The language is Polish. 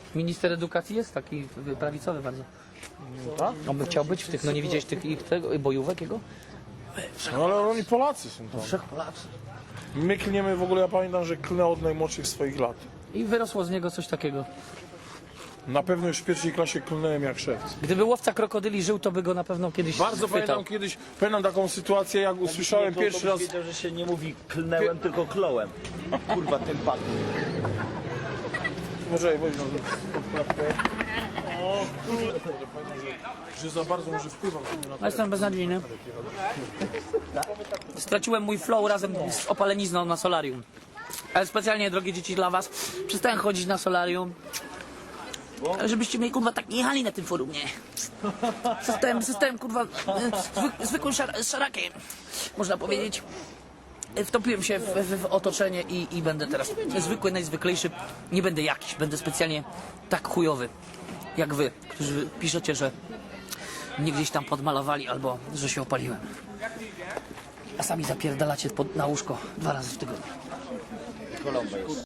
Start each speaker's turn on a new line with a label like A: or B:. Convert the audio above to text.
A: Minister edukacji jest taki prawicowy bardzo.
B: Tak?
A: On by chciał być w tych, no nie widziałeś tych tego, bojówek jego?
B: No ale oni Polacy są tam.
A: Wszech Polacy.
B: My klniemy w ogóle, ja pamiętam, że klnę od najmłodszych swoich lat.
A: I wyrosło z niego coś takiego.
B: Na pewno już w pierwszej klasie klnąłem jak szewc.
A: Gdyby łowca krokodyli żył, to by go na pewno kiedyś
B: Bardzo
A: chwytał.
B: pamiętam kiedyś, pamiętam taką sytuację, jak usłyszałem pierwszy raz...
C: Wiedział, że się nie mówi klnęłem, tylko klołem. Kurwa, ten pan.
B: Może weź na że za bardzo może wpływam na
A: No, jestem beznadziejny. Straciłem mój flow razem z opalenizną na solarium. Ale specjalnie, drogie dzieci, dla was przestałem chodzić na solarium, żebyście mnie, kurwa, tak nie jechali na tym forum, nie? Zostałem kurwa, zwykłym szarakiem, można powiedzieć. Wtopiłem się w otoczenie i będę teraz zwykły, najzwyklejszy. Nie będę jakiś, będę specjalnie tak chujowy, jak wy, którzy piszecie, że mnie gdzieś tam podmalowali albo że się opaliłem. A sami zapierdalacie na łóżko 2 razy w tygodniu.